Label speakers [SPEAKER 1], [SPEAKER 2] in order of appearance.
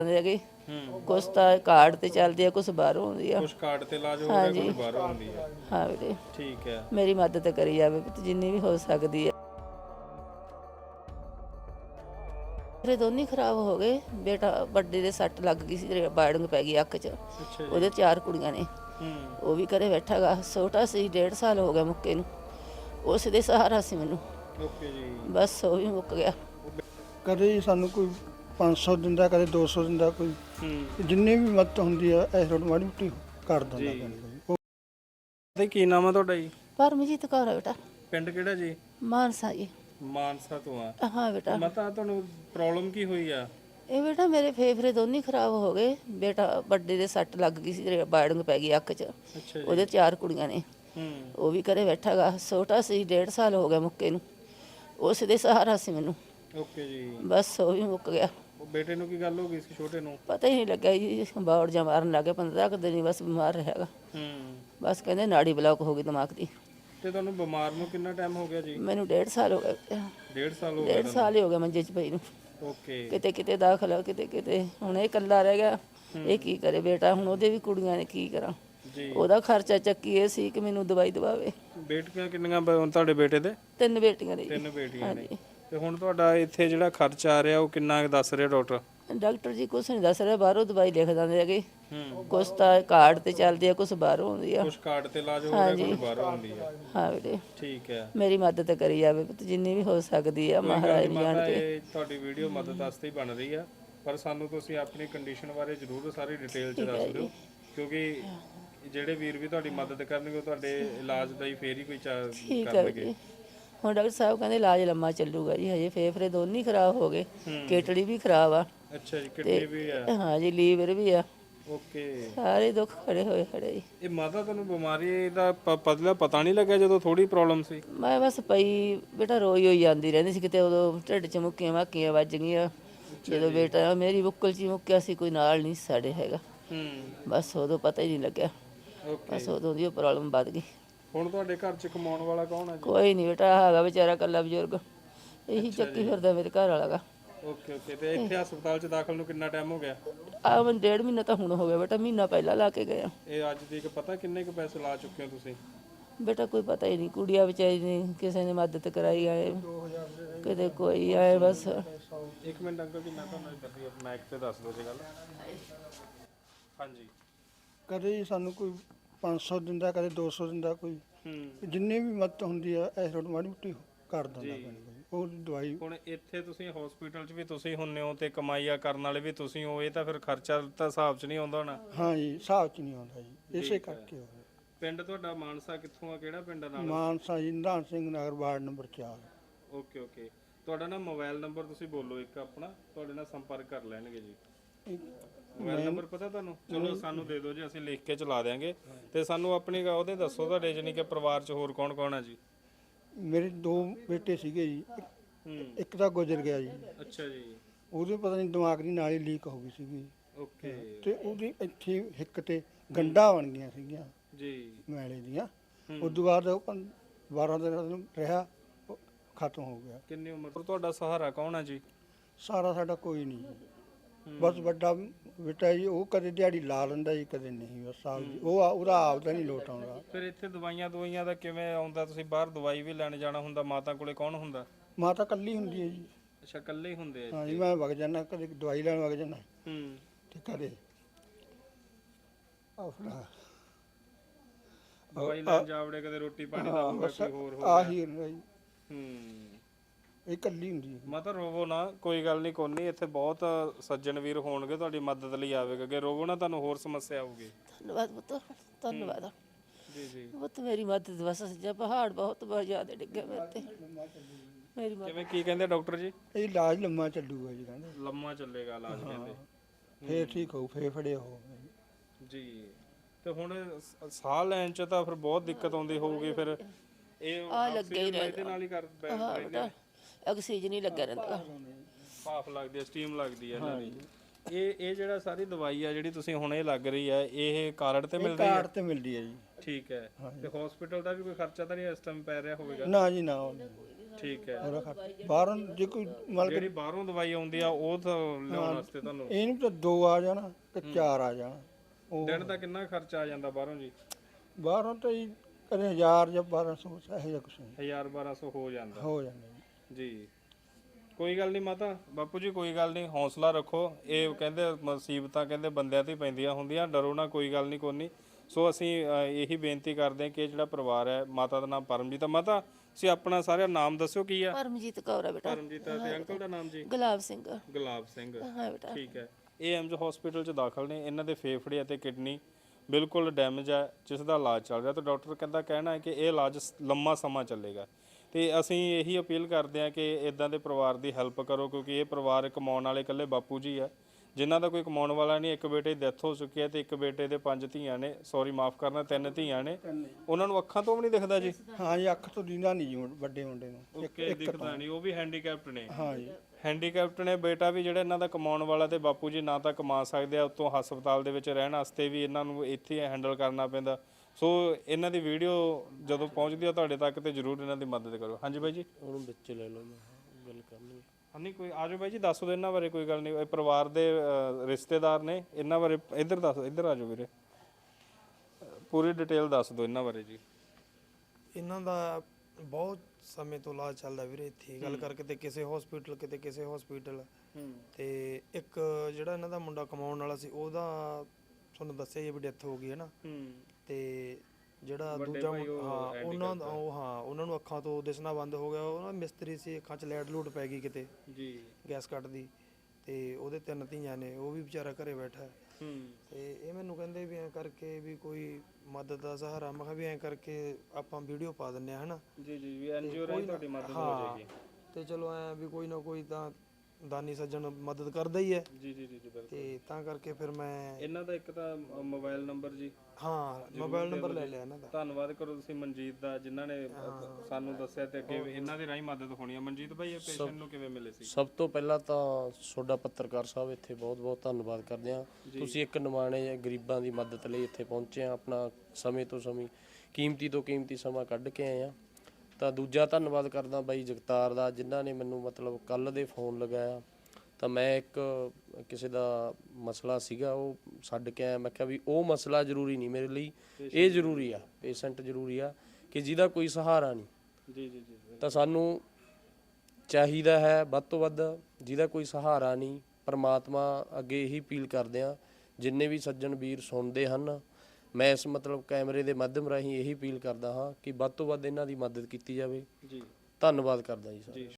[SPEAKER 1] ਹੈਗੇ ਕੁਛ ਤਾਂ ਕਾਰਡ ਤੇ ਚੱਲਦੀ ਆ, ਕੁਛ ਬਾਹਰੋਂ ਆਉਂਦੀ ਆ।
[SPEAKER 2] ਕੁਛ ਕਾਰਡ ਤੇ ਇਲਾਜ ਹੋ ਰਿਹਾ, ਕੁਝ ਬਾਹਰੋਂ ਆਉਂਦੀ ਹੈ।
[SPEAKER 1] ਹਾਂ ਵੀਰੇ,
[SPEAKER 2] ਠੀਕ ਹੈ।
[SPEAKER 1] ਮੇਰੀ ਮਦਦ ਕਰੀ ਜਾਵੇ ਪੁੱਤ ਜਿੰਨੀ ਵੀ ਹੋ ਸਕਦੀ ਹੈ। ਮੇਰੇ ਦੋਨੇ ਖਰਾਬ ਹੋ ਗਏ। ਬੇਟਾ ਵੱਡੇ ਦੇ ਸੱਟ ਲੱਗ ਗਈ ਸੀ, ਬਾੜਿੰਗ ਪੈ ਗਈ ਅੱਖ 'ਚ।
[SPEAKER 2] ਅੱਛਾ ਜੀ।
[SPEAKER 1] ਉਹਦੇ 4 ਕੁੜੀਆਂ ਨੇ, ਉਹ ਵੀ ਘਰੇ ਬੈਠਾ ਗਾ। ਛੋਟਾ ਸੀ, 1.5 ਸਾਲ ਹੋ ਗਿਆ ਮੁੱਕੇ ਨੂੰ। ਉਸ ਦੇ ਸਹਾਰਾ ਸੀ ਮੈਨੂੰ।
[SPEAKER 2] ਓਕੇ ਜੀ।
[SPEAKER 1] ਬਸ ਉਹ ਵੀ ਮੁੱਕ ਗਿਆ।
[SPEAKER 3] ਕਦੇ ਸਾਨੂੰ ਕੋਈ 500 ਦਿੰਦਾ, ਕਦੇ 200 ਦਿੰਦਾ, ਕੋਈ ਜਿੰਨੀ ਵੀ ਮਦਦ ਹੁੰਦੀ ਆ ਇਸ ਰੋਡ ਮਾੜੀ ਮੋਟੀ ਕਰ ਦਿੰਦਾ ਪਿੰਡ।
[SPEAKER 2] ਤੇ ਕੀ ਨਾਮ ਆ ਤੁਹਾਡਾ ਜੀ?
[SPEAKER 1] ਪਰਮਜੀਤ ਕੌਰ ਆ ਬੇਟਾ।
[SPEAKER 2] ਪਿੰਡ ਕਿਹੜਾ ਜੀ?
[SPEAKER 1] ਮਾਨਸਾ ਜੀ।
[SPEAKER 2] ਮਾਨਸਾ ਤੋਂ ਆ?
[SPEAKER 1] ਹਾਂ ਬੇਟਾ।
[SPEAKER 2] ਮਤਾ ਤੁਹਾਨੂੰ ਪ੍ਰੋਬਲਮ ਕੀ ਹੋਈ ਆ?
[SPEAKER 1] ਇਹ ਬੇਟਾ ਮੇਰੇ ਫੇਫੜੇ ਦੋਨੇ ਖਰਾਬ ਹੋ ਗਏ। ਬੇਟਾ ਵੱਡੇ ਦੇ ਸੱਟ ਲੱਗ ਗਈ ਸੀ, ਬਾੜਿੰਗ ਪੈ ਗਈ ਅੱਖ 'ਚ।
[SPEAKER 2] ਅੱਛਾ ਜੀ।
[SPEAKER 1] ਉਹਦੇ 4 ਕੁੜੀਆਂ ਨੇ, ਉਹ ਵੀ ਘਰੇ ਬੈਠਾ ਗਾ। ਛੋਟਾ ਸੀ, 1.5 ਸਾਲ ਹੋ ਗਿਆ ਮੁੱਕੇ ਨੂੰ। ਉਸ ਦੇ ਸਹਾਰਾ ਸੀ ਮੈਨੂੰ।
[SPEAKER 2] ਓਕੇ ਜੀ।
[SPEAKER 1] ਬਸ ਉਹ ਵੀ ਮੁੱਕ ਗਿਆ।
[SPEAKER 2] ਉਹ ਬੇਟੇ ਨੂੰ ਕੀ ਗੱਲ ਹੋ ਗਈ ਸੀ ਛੋਟੇ ਨੂੰ?
[SPEAKER 1] ਪਤਾ ਹੀ ਨਹੀਂ ਲੱਗਾ ਜੀ, ਬੌੜ ਜਾ ਮਾਰਨ ਲੱਗੇ। 15 ਕੁ ਦਿਨ ਹੀ ਬਸ ਬਿਮਾਰ ਰਹੇਗਾ। ਬਸ ਕਹਿੰਦੇ ਨਾੜੀ ਬਲੌਕ ਹੋ ਗਈ ਦਿਮਾਗ ਦੀ।
[SPEAKER 2] ਤੇ ਤੁਹਾਨੂੰ ਬਿਮਾਰ ਨੂੰ ਕਿੰਨਾ ਟਾਈਮ ਹੋ ਗਿਆ ਜੀ?
[SPEAKER 1] ਮੈਨੂੰ 1.5 ਸਾਲ ਹੋ ਗਿਆ।
[SPEAKER 2] 1.5 ਸਾਲ ਹੋ ਗਿਆ?
[SPEAKER 1] 1.5 ਸਾਲ ਹੀ ਹੋ ਗਿਆ ਮੰਜੇ 'ਚ ਪਈ ਨੂੰ।
[SPEAKER 2] ਓਕੇ।
[SPEAKER 1] ਕਿਤੇ ਕਿਤੇ ਦਾਖਲ, ਕਿਤੇ ਕਿਤੇ। ਹੁਣ ਇਹ ਇਕੱਲਾ ਰਹਿ ਗਿਆ, ਇਹ ਕੀ ਕਰੇ ਬੇਟਾ। ਹੁਣ ਉਹਦੇ ਵੀ ਕੁੜੀਆਂ ਨੇ, ਕੀ ਕਰਾਂ।
[SPEAKER 2] ਜੀ।
[SPEAKER 1] ਉਹਦਾ ਖਰਚਾ ਚੱਕੀ ਇਹ ਸੀ ਕਿ ਮੈਨੂੰ ਦਵਾਈ ਦਵਾਵੇ।
[SPEAKER 2] ਬੇਟੀਆਂ ਕਿੰਨੀਆਂ ਤੁਹਾਡੇ ਬੇਟੇ ਦੇ?
[SPEAKER 1] 3 ਬੇਟੀਆਂ ਨੇ ਜੀ।
[SPEAKER 2] 3 ਬੇਟੀਆਂ ਨੇ। ਤੇ ਹੁਣ ਤੁਹਾਡਾ ਇੱਥੇ ਜਿਹੜਾ ਖਰਚਾ ਆ ਰਿਹਾ ਉਹ ਕਿੰਨਾ ਦੱਸ ਰਿਹਾ ਡਾਕਟਰ?
[SPEAKER 1] ਡਾਕਟਰ ਜੀ ਕੁਛ ਨਹੀਂ ਦੱਸ ਰਿਹਾ, ਬਾਹਰੋਂ ਦਵਾਈ ਲਿਖ ਦਿੰਦੇ ਹੈਗੇ। ਕੁਛ ਤਾਂ ਕਾਰਡ ਤੇ ਚੱਲਦੀ ਆ, ਕੁਛ ਬਾਹਰੋਂ ਆਉਂਦੀ ਆ।
[SPEAKER 2] ਕੁਛ ਕਾਰਡ ਤੇ ਇਲਾਜ ਹੋ ਰਿਹਾ, ਕੁਝ ਬਾਹਰੋਂ ਆਉਂਦੀ ਆ।
[SPEAKER 1] ਹਾਂ ਵੀਰੇ,
[SPEAKER 2] ਠੀਕ ਹੈ।
[SPEAKER 1] ਮੇਰੀ ਮਦਦ ਕਰੀ ਜਾਵੇ ਪੁੱਤ ਜਿੰਨੀ ਵੀ ਹੋ ਸਕਦੀ ਆ। ਮਹਾਰਾਜ ਨੇ ਜਾਣ ਕੇ।
[SPEAKER 2] ਇਹ ਤੁਹਾਡੀ ਵੀਡੀਓ ਮਦਦ ਵਾਸਤੇ ਹੀ ਬਣ ਰਹੀ ਆ, ਪਰ ਸਾਨੂੰ ਤੁਸੀਂ ਆਪਣੀ ਕੰਡੀਸ਼ਨ ਬਾਰੇ ਜ਼ਰੂਰ ਸਾਰੀ ਡਿਟੇਲ ਚ ਦੱਸ ਦਿਓ, ਕਿਉਂਕਿ ਜਿਹੜੇ ਵੀਰ ਵੀ ਤੁਹਾਡੀ ਮਦਦ ਕਰਨਗੇ ਉਹ ਤੁਹਾਡੇ ਇਲਾਜ ਦਾ ਹੀ ਫੇਰ ਹੀ ਕੋਈ ਕਰਨਗੇ।
[SPEAKER 1] ਹੁਣ ਡਾਕਟਰ ਸਾਹਿਬ ਕਹਿੰਦੇ ਇਲਾਜ ਲੰਮਾ ਚੱਲੂਗਾ ਜੀ। ਹਜੇ ਫੇਫੜੇ ਦੋਨੇ ਹੀ ਖਰਾਬ ਹੋ ਗਏ, ਕਿਡਨੀ ਵੀ ਖਰਾਬ ਆ।
[SPEAKER 2] ਅੱਛਾ ਜੀ, ਕਿਡਨੀ ਵੀ ਆ?
[SPEAKER 1] ਹਾਂ ਜੀ, ਲੀਵਰ ਵੀ ਆ।
[SPEAKER 2] ਓਕੇ।
[SPEAKER 1] ਸਾਰੇ ਦੁੱਖ ਖੜੇ ਹੋਏ ਖੜੇ ਜੀ।
[SPEAKER 2] ਇਹ ਮਾਤਾ ਤੁਹਾਨੂੰ ਬਿਮਾਰੀ ਦਾ ਪਤਾ ਨਹੀਂ ਲੱਗਿਆ ਜਦੋਂ ਥੋੜੀ ਪ੍ਰੋਬਲਮ ਸੀ?
[SPEAKER 1] ਮੈਂ ਬਸ ਪਈ ਬੇਟਾ, ਰੋਈ ਹੋਈ ਜਾਂਦੀ ਰਹਿੰਦੀ ਸੀ। ਕਿਤੇ ਉਦੋਂ ਢਿੱਡ 'ਚ ਮੁੱਕੀਆਂ ਮਾਕੀਆਂ ਵੱਜ ਗਈਆਂ। ਜਦੋਂ ਬੇਟਾ ਮੇਰੀ ਬੁੱਕਲ 'ਚ ਹੀ ਮੁੱਕਿਆ ਸੀ, ਕੋਈ ਨਾਲ ਨਹੀਂ ਸਾਡੇ ਹੈਗਾ। ਬਸ ਉਦੋਂ ਪਤਾ ਹੀ ਨਹੀਂ ਲੱਗਿਆ। ਬਸ ਉਦੋਂ ਦੀ ਪ੍ਰੋਬਲਮ ਵੱਧ ਗਈ।
[SPEAKER 2] ਹੁਣ ਤੁਹਾਡੇ ਘਰ 'ਚ ਕਮਾਉਣ ਵਾਲਾ ਕੌਣ ਹੈ ਜੀ?
[SPEAKER 1] ਕੋਈ ਨਹੀਂ ਬੇਟਾ, ਹੈਗਾ ਵਿਚਾਰਾ ਇਕੱਲਾ ਬਜ਼ੁਰਗ, ਇਹੀ ਚੱਕੀ ਫਿਰਦਾ ਮੇਰੇ ਘਰ ਵਾਲਾ ਗਾ।
[SPEAKER 2] Okay okay. ਤੇ ਇੱਥੇ ਹਸਪਤਾਲ 'ਚ ਦਾਖਲ ਨੂੰ ਕਿੰਨਾ ਟਾਈਮ ਹੋ ਗਿਆ?
[SPEAKER 1] ਆ ਮੈਨੂੰ 1.5 ਮਹੀਨਾ ਤਾਂ ਹੁਣ ਹੋ ਗਿਆ ਬੇਟਾ। ਮਹੀਨਾ ਪਹਿਲਾਂ ਲਾ ਕੇ ਗਏ ਆ।
[SPEAKER 2] ਇਹ ਅੱਜ ਤੱਕ ਪਤਾ ਕਿੰਨੇ ਕੁ ਪੈਸੇ ਲਾ ਚੁੱਕੇ ਹੋ ਤੁਸੀਂ?
[SPEAKER 1] ਬੇਟਾ ਕੋਈ ਪਤਾ ਹੀ ਨਹੀਂ। ਕੁੜੀਆਂ ਵਿਚਾਰੀ ਨੇ ਕਿਸੇ ਨੇ ਮਦਦ ਕਰਾਈ ਆਏ, ਕਿਤੇ ਕੋਈ ਆਏ। ਬਸ
[SPEAKER 2] ਇੱਕ ਮਿੰਟ ਅੰਕਲ ਜੀ, ਮੈਂ ਤੁਹਾਨੂੰ ਦੱਸਦੀ ਮਾਈਕ ਤੇ ਦੱਸ ਦਿਓ ਜੀ ਗੱਲ। ਹਾਂਜੀ।
[SPEAKER 3] ਕਦੇ ਸਾਨੂੰ ਕੋਈ 500 ਦਿੰਦਾ, ਕਦੇ 200 ਦਿੰਦਾ, ਕੋਈ ਜਿੰਨੀ ਵੀ ਮਦਦ ਹੁੰਦੀ ਆ ਇਸ ਰੋਡ ਮਾੜੀ ਮੋਟੀ ਕਰ ਦਿੰਦਾ ਪਿੰਡ। ਉਹ ਦਵਾਈ
[SPEAKER 2] ਹੁਣ ਇੱਥੇ ਤੁਸੀਂ ਹਸਪੀਟਲ 'ਚ ਵੀ ਤੁਸੀਂ ਹੁੰਨੇ ਹੋ ਤੇ ਕਮਾਈਆ ਕਰਨ ਵਾਲੇ ਵੀ ਤੁਸੀਂ ਹੋ, ਇਹ ਤਾਂ ਫਿਰ ਖਰਚਾ ਤਾਂ ਹਿਸਾਬ 'ਚ ਨਹੀਂ ਆਉਂਦਾ ਹੋਣਾ?
[SPEAKER 3] ਹਾਂ ਜੀ, ਹਿਸਾਬ 'ਚ ਨਹੀਂ ਆਉਂਦਾ ਜੀ, ਇਸੇ ਕਰਕੇ ਹੋ ਗਿਆ।
[SPEAKER 2] ਪਿੰਡ ਤੁਹਾਡਾ ਮਾਨਸਾ ਕਿੱਥੋਂ ਆ? ਕਿਹੜਾ ਪਿੰਡ ਨਾਲ?
[SPEAKER 3] ਮਾਨਸਾ ਜੀ, Nidhan Singh Nagar, ward number 4।
[SPEAKER 2] Okay okay. ਤੁਹਾਡਾ ਨਾ ਮੋਬਾਈਲ ਨੰਬਰ ਤੁਸੀਂ ਬੋਲੋ ਇੱਕ ਆਪਣਾ, ਤੁਹਾਡੇ ਨਾਲ ਸੰਪਰਕ ਕਰ ਲੈਣਗੇ ਜੀ। ਮੋਬਾਈਲ ਨੰਬਰ ਪਤਾ ਤੁਹਾਨੂੰ? ਚਲੋ ਸਾਨੂੰ ਦੇ ਦਿਓ ਜੀ, ਅਸੀਂ ਲਿਖ ਕੇ ਚਲਾ ਦਿਆਂਗੇ। ਤੇ ਸਾਨੂੰ ਆਪਣੀ ਉਹਦੇ ਦੱਸੋ ਤੁਹਾਡੇ ਜਾਨੀ ਕਿ ਪਰਿਵਾਰ 'ਚ ਹੋਰ ਕੌਣ ਕੌਣ ਆ ਜੀ?
[SPEAKER 3] ਮੇਰੇ 2 ਬੇਟੇ ਸੀਗੇ ਜੀ, ਇੱਕ ਤਾਂ ਗੁਜ਼ਰ ਗਿਆ ਜੀ।
[SPEAKER 2] ਅੱਛਾ ਜੀ।
[SPEAKER 3] ਉਹਦੇ ਪਤਾ ਨਹੀਂ ਦਿਮਾਗ ਦੀ ਨਾਲੀ ਲੀਕ ਹੋ ਗਈ ਸੀਗੀ।
[SPEAKER 2] ਓਕੇ।
[SPEAKER 3] ਤੇ ਉਹਦੀ ਇੱਥੇ ਹਿੱਕ ਤੇ ਗੰਢਾਂ ਬਣ ਗਈਆਂ ਸੀਗੀਆਂ
[SPEAKER 2] ਜੀ,
[SPEAKER 3] ਮੈਲੇ ਦੀਆਂ। ਉਸ ਤੋਂ ਬਾਅਦ 12 ਦਿਨ ਰਿਹਾ, ਖਤਮ ਹੋ ਗਿਆ।
[SPEAKER 2] ਕਿੰਨੀ ਉਮਰ? ਤੁਹਾਡਾ ਸਹਾਰਾ ਕੌਣ ਆ ਜੀ?
[SPEAKER 3] ਸਾਰਾ ਸਾਡਾ ਕੋਈ ਨਹੀਂ ਜੀ, ਬਸ ਵੱਡਾ ਬੇਟਾ ਜੀ, ਉਹ ਕਦੇ ਦਿਹਾੜੀ ਲਾ ਲੈਂਦਾ ਜੀ, ਕਦੇ ਨਹੀਂ। ਬਸ ਸਾਲ ਦੀ ਉਹਦਾ ਆਪਦਾ ਨਹੀਂ ਲੋਟ ਆਉਂਦਾ।
[SPEAKER 2] ਫਿਰ ਇੱਥੇ ਦਵਾਈਆਂ ਦਾ ਕਿਵੇਂ ਆਉਂਦਾ? ਤੁਸੀਂ ਬਾਹਰ ਦਵਾਈ ਵੀ ਲੈਣ ਜਾਣਾ ਹੁੰਦਾ, ਮਾਤਾ ਕੋਲੇ ਕੌਣ ਹੁੰਦਾ?
[SPEAKER 3] ਮਾਤਾ ਇਕੱਲੀ ਹੁੰਦੀ ਹੈ ਜੀ।
[SPEAKER 2] ਅੱਛਾ, ਇਕੱਲੇ ਹੀ ਹੁੰਦੇ ਆ?
[SPEAKER 3] ਹਾਂ ਜੀ, ਮੈਂ ਵਗ ਜਾਂਦਾ, ਕਦੇ ਦਵਾਈ ਲੈਣ ਵਗ ਜਾਂਦਾ ਤੇ ਕਦੇ ਆਪਣਾ
[SPEAKER 2] ਦਵਾਈ ਲੈਣ ਜਾਵੜੇ, ਕਦੇ ਰੋਟੀ ਪਾਣੀ ਦਾ ਹੋਊਗਾ, ਕੋਈ ਹੋਰ ਹੋਊਗਾ।
[SPEAKER 3] ਆਹੀ ਹੁੰਦਾ ਜੀ, ਇਹ ਇਕੱਲੀ ਹੁੰਦੀ ਹੈ।
[SPEAKER 2] ਮਾਤਾ ਰੋਵੋ ਨਾ, ਕੋਈ ਗੱਲ ਨਹੀਂ, ਕੋਈ ਨਹੀਂ। ਇੱਥੇ ਬਹੁਤ ਸੱਜਣ ਵੀਰ ਹੋਣਗੇ ਤੁਹਾਡੀ ਮਦਦ ਲਈ ਆਵੇਗਾ। ਕਿ ਰੋਵੋ ਨਾ, ਤੁਹਾਨੂੰ ਹੋਰ ਸਮੱਸਿਆ ਆਊਗੀ।
[SPEAKER 1] ਧੰਨਵਾਦ ਪੁੱਤ, ਧੰਨਵਾਦ
[SPEAKER 2] ਜੀ ਜੀ।
[SPEAKER 1] ਪੁੱਤ, ਮੇਰੀ ਮਦਦ ਬਸ। ਸੱਜਾ ਪਹਾੜ ਬਹੁਤ ਜ਼ਿਆਦਾ ਡਿੱਗਿਆ ਮੇਰੇ ਤੇ। ਮੇਰੀ ਮਦਦ।
[SPEAKER 2] ਕਿਵੇਂ, ਕੀ ਕਹਿੰਦੇ ਡਾਕਟਰ ਜੀ?
[SPEAKER 3] ਇਹ ਇਲਾਜ ਲੰਮਾ ਚੱਲੂਗਾ ਜੀ, ਕਹਿੰਦੇ
[SPEAKER 2] ਲੰਮਾ ਚੱਲੇਗਾ ਇਲਾਜ ਕਹਿੰਦੇ।
[SPEAKER 3] ਫੇਰ ਠੀਕ ਹੋਊ, ਫੇਫੜੇ ਹੋ
[SPEAKER 2] ਜੀ। ਤੇ ਹੁਣ ਸਾਹ ਲੈਣ 'ਚ ਤਾਂ ਫਿਰ ਬਹੁਤ ਦਿੱਕਤ ਆਉਂਦੀ ਹੋਊਗੀ। ਫਿਰ ਇਹ
[SPEAKER 1] ਆ ਲੱਗਿਆ ਹੀ
[SPEAKER 2] ਇਹਦੇ ਨਾਲ ਹੀ ਕਰ
[SPEAKER 1] ਬੇਟਾ, ਆਕਸੀਜਨ ਹੀ ਲੱਗਾ ਰਹਿੰਦਾ।
[SPEAKER 2] ਭਾਫ ਲੱਗਦੀ ਹੈ, ਸਟੀਮ ਲੱਗਦੀ ਹੈ ਇਹਨਾਂ ਦੀ। ਇਹ ਜਿਹੜਾ ਸਾਰੀ ਦਵਾਈ ਆ ਜਿਹੜੀ ਤੁਸੀਂ ਹੁਣ ਇਹ ਲੱਗ ਰਹੀ ਹੈ, ਇਹ ਕਾਰਡ ਤੇ ਮਿਲ ਰਹੀ ਹੈ?
[SPEAKER 3] ਕਾਰਡ ਤੇ ਮਿਲਦੀ ਹੈ ਜੀ।
[SPEAKER 2] ਠੀਕ ਹੈ। ਤੇ ਹਸਪੀਟਲ ਦਾ ਵੀ ਕੋਈ ਖਰਚਾ ਤਾਂ ਨਹੀਂ ਇਸ ਟਾਈਮ ਪੈ ਰਿਹਾ ਹੋਵੇਗਾ?
[SPEAKER 3] ਨਾ ਜੀ, ਨਾ।
[SPEAKER 2] ਠੀਕ ਹੈ।
[SPEAKER 3] ਉਹਦਾ ਖਰਚਾ ਬਾਹਰੋਂ ਜੇ ਕੋਈ ਮਤਲਬ
[SPEAKER 2] ਜਿਹੜੀ ਬਾਹਰੋਂ ਦਵਾਈ ਆਉਂਦੀ ਆ ਉਹ ਤਾਂ ਲਿਆਉਣ ਵਾਸਤੇ ਤੁਹਾਨੂੰ
[SPEAKER 3] ਇਹਨੂੰ ਤਾਂ 2 ਆ ਜਾਣਾ ਤੇ 4 ਆ ਜਾਣਾ। ਉਹ
[SPEAKER 2] ਦਿਨ ਦਾ ਕਿੰਨਾ ਖਰਚਾ ਆ ਜਾਂਦਾ ਬਾਹਰੋਂ ਜੀ?
[SPEAKER 3] ਬਾਹਰੋਂ ਤਾਂ ਜੀ ਕਦੇ 1000 ਜਾਂ 1200 ਇਹੋ ਜਿਹਾ ਕੁਛ ਨਹੀਂ
[SPEAKER 2] 1000-1200 ਹੋ ਜਾਂਦਾ
[SPEAKER 3] ਹੋ ਜਾਂਦਾ ਜੀ।
[SPEAKER 2] ਜੀ। ਕੋਈ ਗੱਲ ਨਹੀਂ ਮਾਤਾ, ਬਾਪੂ ਜੀ ਕੋਈ ਗੱਲ ਨਹੀਂ, ਹੌਸਲਾ ਰੱਖੋ। ਇਹ ਕਹਿੰਦੇ ਮੁਸੀਬਤਾਂ ਕਹਿੰਦੇ ਬੰਦਿਆਂ ਤੇ ਹੀ ਪੈਂਦੀਆਂ ਹੁੰਦੀਆਂ, ਡਰੋ ਨਾ, ਕੋਈ ਗੱਲ ਨਹੀਂ, ਕੋਈ ਨਹੀਂ। ਸੋ ਅਸੀਂ ਇਹੀ ਬੇਨਤੀ ਕਰਦੇ ਹਾਂ ਕਿ ਜਿਹੜਾ ਪਰਿਵਾਰ ਹੈ, ਮਾਤਾ ਦਾ ਨਾਮ ਪਰਮਜੀਤ ਆ। ਮਾਤਾ ਤੁਸੀਂ ਆਪਣਾ ਸਾਰਾ ਨਾਮ ਦੱਸਿਓ ਕੀ ਆ?
[SPEAKER 1] ਪਰਮਜੀਤ ਕੌਰ ਆ ਬੇਟਾ।
[SPEAKER 2] ਪਰਮਜੀਤ ਤੇ ਅੰਕਲ ਦਾ ਨਾਮ ਜੀ?
[SPEAKER 1] ਗੁਲਾਬ ਸਿੰਘ।
[SPEAKER 2] ਗੁਲਾਬ ਸਿੰਘ।
[SPEAKER 1] ਹਾਂ ਬੇਟਾ।
[SPEAKER 2] ਠੀਕ ਹੈ। ਇਹ ਐਮਜ ਹਸਪੀਟਲ 'ਚ ਦਾਖਲ ਨੇ। ਇਹਨਾਂ ਦੇ ਫੇਫੜੇ ਅਤੇ ਕਿਡਨੀ ਬਿਲਕੁਲ ਡੈਮੇਜ ਹੈ, ਜਿਸ ਦਾ ਇਲਾਜ ਚੱਲ ਰਿਹਾ ਤੇ ਡਾਕਟਰ ਕਹਿੰਦਾ ਕਹਿਣਾ ਹੈ ਕਿ ਇਹ ਇਲਾਜ ਲੰਮਾ ਸਮਾਂ ਚੱਲੇਗਾ। ਤੇ ਅਸੀਂ ਇਹੀ ਅਪੀਲ ਕਰਦੇ ਹਾਂ ਕਿ ਇਦਾਂ ਦੇ ਪਰਿਵਾਰ ਦੀ ਹੈਲਪ ਕਰੋ, ਕਿਉਂਕਿ ਇਹ ਪਰਿਵਾਰ ਕਮਾਉਣ ਵਾਲੇ ਇਕੱਲੇ ਬਾਪੂ ਜੀ ਆ, ਜਿਨ੍ਹਾਂ ਦਾ ਕੋਈ ਕਮਾਉਣ ਵਾਲਾ ਨਹੀਂ। ਇੱਕ ਬੇਟੇ ਦੀ ਡੈਥ ਹੋ ਚੁੱਕੀ ਹੈ ਤੇ ਇੱਕ ਬੇਟੇ ਦੇ 5 ਧੀਆਂ ਨੇ, ਸੌਰੀ ਮਾਫ ਕਰਨਾ 3 ਧੀਆਂ ਨੇ। ਉਹਨਾਂ ਨੂੰ ਅੱਖਾਂ ਤੋਂ ਵੀ ਨਹੀਂ ਦਿਖਦਾ ਜੀ?
[SPEAKER 3] ਹਾਂ ਜੀ, ਅੱਖ ਤੋਂ ਦੀਦਾ ਨਹੀਂ ਜੀ ਵੱਡੇ ਮੁੰਡੇ ਨੂੰ।
[SPEAKER 2] ਓਕੇ, ਦਿਖਦਾ ਨਹੀਂ, ਉਹ ਵੀ ਹੈਂਡੀਕੈਪਟ ਨੇ?
[SPEAKER 3] ਹਾਂ ਜੀ,
[SPEAKER 2] ਹੈਂਡੀਕੈਪਟ ਨੇ। ਬੇਟਾ ਵੀ ਜਿਹੜਾ ਇਹਨਾਂ ਦਾ ਕਮਾਉਣ ਵਾਲਾ ਤੇ ਬਾਪੂ ਜੀ ਨਾ ਤਾਂ ਕਮਾ ਸਕਦੇ ਆ, ਉੱਤੋਂ ਹਸਪਤਾਲ ਦੇ ਵਿੱਚ ਰਹਿਣ ਵਾਸਤੇ ਵੀ ਇਹਨਾਂ ਨੂੰ ਇੱਥੇ ਹੈਂਡਲ ਕਰਨਾ ਪੈਂਦਾ। ਸੋ ਇਹਨਾਂ ਦੀ ਵੀਡੀਓ ਜਦੋਂ ਪਹੁੰਚਦੀ ਆ ਤੁਹਾਡੇ ਤੱਕ ਤੇ ਜ਼ਰੂਰ ਇਹਨਾਂ ਦੀ ਮਦਦ ਕਰੋ। ਹਾਂਜੀ ਬਾਈ ਜੀ,
[SPEAKER 4] ਉਹਨੂੰ ਵਿੱਚ ਲੈ ਲਓ, ਮੈਂ ਗੱਲ ਕਰਨੀ।
[SPEAKER 2] ਨਹੀਂ ਕੋਈ ਆਜੋ ਬਾਈ ਜੀ, ਦੱਸ ਦਿਓ ਇਹਨਾਂ ਬਾਰੇ, ਕੋਈ ਗੱਲ ਨਹੀਂ। ਇਹ ਪਰਿਵਾਰ ਦੇ ਰਿਸ਼ਤੇਦਾਰ ਨੇ, ਇਹਨਾਂ ਬਾਰੇ ਇੱਧਰ ਦੱਸ, ਇੱਧਰ ਆਜੋ ਵੀਰੇ, ਪੂਰੀ ਡਿਟੇਲ ਦੱਸ ਦਿਓ ਇਹਨਾਂ ਬਾਰੇ ਜੀ।
[SPEAKER 4] ਇਹਨਾਂ ਦਾ ਬਹੁਤ ਸਮੇਂ ਤੋਂ ਇਲਾਜ ਚੱਲਦਾ ਵੀਰੇ ਇੱਥੇ, ਗੱਲ ਕਰਕੇ ਤੇ ਕਿਸੇ ਹਸਪੀਟਲ, ਕਿਤੇ ਕਿਸੇ ਹਸਪੀਟਲ। ਤੇ ਇੱਕ ਜਿਹੜਾ ਇਹਨਾਂ ਦਾ ਮੁੰਡਾ ਕਮਾਉਣ ਵਾਲਾ ਸੀ, ਉਹਦਾ ਤੁਹਾਨੂੰ ਦੱਸਿਆ ਹੀ ਵੀ ਡੈਥ ਹੋ ਗਈ ਹੈ ਨਾ। ਤੇ ਜਿਹੜਾ ਦੂਜਾ ਉਹਨਾਂ ਨੂੰ ਅੱਖਾਂ ਤੋਂ ਦਿਸਣਾ ਬੰਦ ਹੋ ਗਿਆ। ਉਹ ਨਾ ਮਿਸਤਰੀ ਸੀ, ਅੱਖਾਂ 'ਚ ਲੈਡ ਲੂਟ ਪੈ ਗਈ ਕਿਤੇ
[SPEAKER 2] ਜੀ,
[SPEAKER 4] ਗੈਸ ਕੱਢਦੀ। ਤੇ ਉਹਦੇ 3 ਧੀਆਂ ਨੇ, ਉਹ ਵੀ ਵਿਚਾਰਾ ਘਰੇ ਬੈਠਾ। ਤੇ ਇਹ ਮੈਨੂੰ ਕਹਿੰਦੇ ਵੀ ਐਂ ਕਰਕੇ ਵੀ ਕੋਈ ਮਦਦ ਦਾ ਸਹਾਰਾ। ਮੈਂ ਕਿਹਾ ਵੀ ਐਂ ਕਰਕੇ ਆਪਾਂ ਵੀਡੀਓ ਪਾ ਦਿੰਨੇ ਆ ਹਨਾ।
[SPEAKER 2] ਜੀ ਜੀ, ਵੀ ਐਨਜੀਓ ਰਾਹੀਂ ਤੁਹਾਡੀ ਮਦਦ ਹੋ ਜਾਏਗੀ।
[SPEAKER 4] ਤੇ ਚਲੋ ਐਂ ਵੀ ਕੋਈ ਨਾ ਕੋਈ ਤਾਂ ਦਾਨੀ ਸੱਜਣ ਮਦਦ ਕਰਦਾ ਹੀ ਹੈ।
[SPEAKER 2] ਜੀ ਜੀ ਜੀ ਬਿਲਕੁਲ।
[SPEAKER 4] ਤੇ ਤਾਂ ਕਰਕੇ ਫਿਰ ਮੈਂ
[SPEAKER 2] ਇਹਨਾਂ ਦਾ ਇੱਕ ਤਾਂ ਮੋਬਾਈਲ ਨੰਬਰ ਜੀ,
[SPEAKER 4] ਹਾਂ ਮੋਬਾਈਲ ਨੰਬਰ ਲੈ ਲਿਆ ਇਹਨਾਂ ਦਾ।
[SPEAKER 2] ਧੰਨਵਾਦ ਕਰੋ ਤੁਸੀਂ ਮਨਜੀਤ ਦਾ, ਜਿਨ੍ਹਾਂ ਨੇ ਸਾਨੂੰ ਦੱਸਿਆ ਤੇ ਅੱਗੇ ਇਹਨਾਂ ਦੇ ਰਾਹੀਂ ਮਦਦ ਹੋਣੀ ਹੈ। ਮਨਜੀਤ ਭਾਈ, ਇਹ ਪੇਸ਼ੈਂਟ ਨੂੰ ਕਿਵੇਂ ਮਿਲੇ ਸੀ?
[SPEAKER 5] ਸਭ ਤੋਂ ਪਹਿਲਾਂ ਤਾਂ ਤੁਹਾਡਾ ਪੱਤਰਕਾਰ ਸਾਹਿਬ ਇੱਥੇ ਬਹੁਤ-ਬਹੁਤ ਧੰਨਵਾਦ ਕਰਦੇ ਹਾਂ। ਤੁਸੀਂ ਇੱਕ ਨਿਮਾਣੇ ਗਰੀਬਾਂ ਦੀ ਮਦਦ ਲਈ ਇੱਥੇ ਪਹੁੰਚੇ ਆ, ਆਪਣਾ ਸਮੇਂ ਤੋਂ ਸਮੇਂ ਕੀਮਤੀ ਤੋਂ ਕੀਮਤੀ ਸਮਾਂ ਕੱਢ ਕੇ ਆਏ ਆ। ਤਾਂ ਦੂਜਾ ਧੰਨਵਾਦ ਕਰਦਾ ਬਾਈ ਜਗਤਾਰ ਦਾ, ਜਿਨ੍ਹਾਂ ਨੇ ਮੈਨੂੰ ਮਤਲਬ ਕੱਲ ਦੇ ਫੋਨ ਲਗਾਇਆ। ਤਾਂ ਮੈਂ ਇੱਕ ਕਿਸੇ ਦਾ ਮਸਲਾ ਸੀਗਾ, ਉਹ ਛੱਡ ਕੇ ਆਇਆ। ਮੈਂ ਕਿਹਾ ਵੀ ਉਹ ਮਸਲਾ ਜ਼ਰੂਰੀ ਨਹੀਂ ਮੇਰੇ ਲਈ, ਇਹ ਜ਼ਰੂਰੀ ਆ, ਪੇਸ਼ੈਂਟ ਜ਼ਰੂਰੀ ਆ ਕਿ ਜਿਹਦਾ ਕੋਈ ਸਹਾਰਾ ਨਹੀਂ।
[SPEAKER 2] ਜੀ ਜੀ ਜੀ,
[SPEAKER 5] ਤਾਂ ਸਾਨੂੰ ਚਾਹੀਦਾ ਹੈ ਵੱਧ ਤੋਂ ਵੱਧ, ਜਿਹਦਾ ਕੋਈ ਸਹਾਰਾ ਨਹੀਂ। ਪਰਮਾਤਮਾ ਅੱਗੇ ਇਹੀ ਅਪੀਲ ਕਰਦੇ ਆ, ਜਿੰਨੇ ਵੀ ਸੱਜਣ ਵੀਰ ਸੁਣਦੇ ਹਨ, ਮੈਂ ਇਸ ਮਤਲਬ ਕੈਮਰੇ ਦੇ ਮਾਧਿਅਮ ਰਾਹੀਂ ਇਹੀ ਅਪੀਲ ਕਰਦਾ ਹਾਂ ਕਿ ਵੱਧ ਤੋਂ ਵੱਧ ਇਹਨਾਂ ਦੀ ਮਦਦ ਕੀਤੀ ਜਾਵੇ।
[SPEAKER 2] ਜੀ
[SPEAKER 5] ਧੰਨਵਾਦ ਕਰਦਾ ਜੀ ਸਰ।